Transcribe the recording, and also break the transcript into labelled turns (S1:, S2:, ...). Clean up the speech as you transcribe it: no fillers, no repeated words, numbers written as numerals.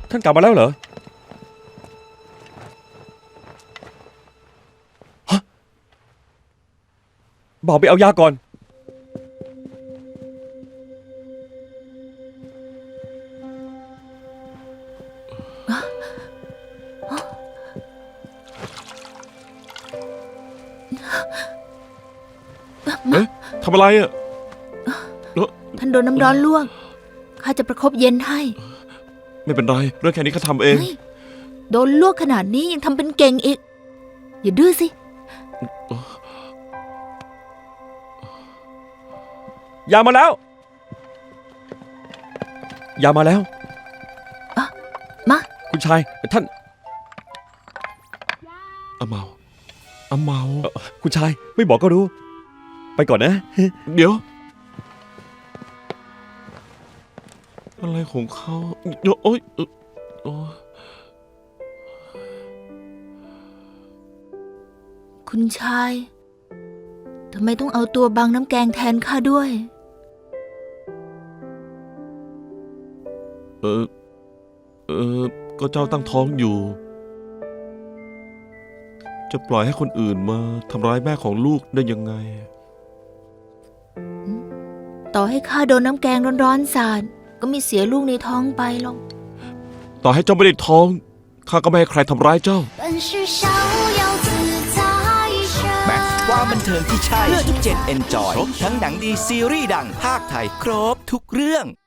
S1: ท่านกลับมาแล้วเหรอฮะบอกไปเอายาก่อนเอ๊ะทำอะไรอ่ะ
S2: ท่านโดนน้ำร้อนลวกข้าจะประคบเย็นให้
S1: ไม่เป็นไรเรื่องแค่นี้ข้าทำเอง
S2: เฮ้ยโดนลวกขนาดนี้ยังทำเป็นเก่งอีก อย่าดื้อสิ
S1: ยามาแล้วยามาแล้ว
S2: มา
S1: คุณชายท่าน
S3: อาเมา
S1: คุณชายไม่บอกก็รู้ ไปก่อนนะ
S3: เดี๋ยวอะไรของเขาโอ๊ยโอ๊ย
S2: คุณชายทำไมต้องเอาตัวบังน้ำแกงแทนข้าด้วย
S3: ก็เจ้าตั้งท้องอยู่ จะปล่อยให้คนอื่นมาทำร้ายแม่ของลูกได้ยังไง
S2: ต่อให้ข้าโดนน้ำแกงร้อนๆสาดก็ไม่เสียลูกในท้องไปหรอก
S3: ต่อให้เจ้าไม่ได้ท้องข้าก็ไม่ให้ใครทำร้ายเจ้า
S4: แม็กซ์ความบันเทิงที่ใช่เพื่อทุกเจนเอนจอยทั้งหนังดีซีรีส์ดังภาคไทยครบทุกเรื่อง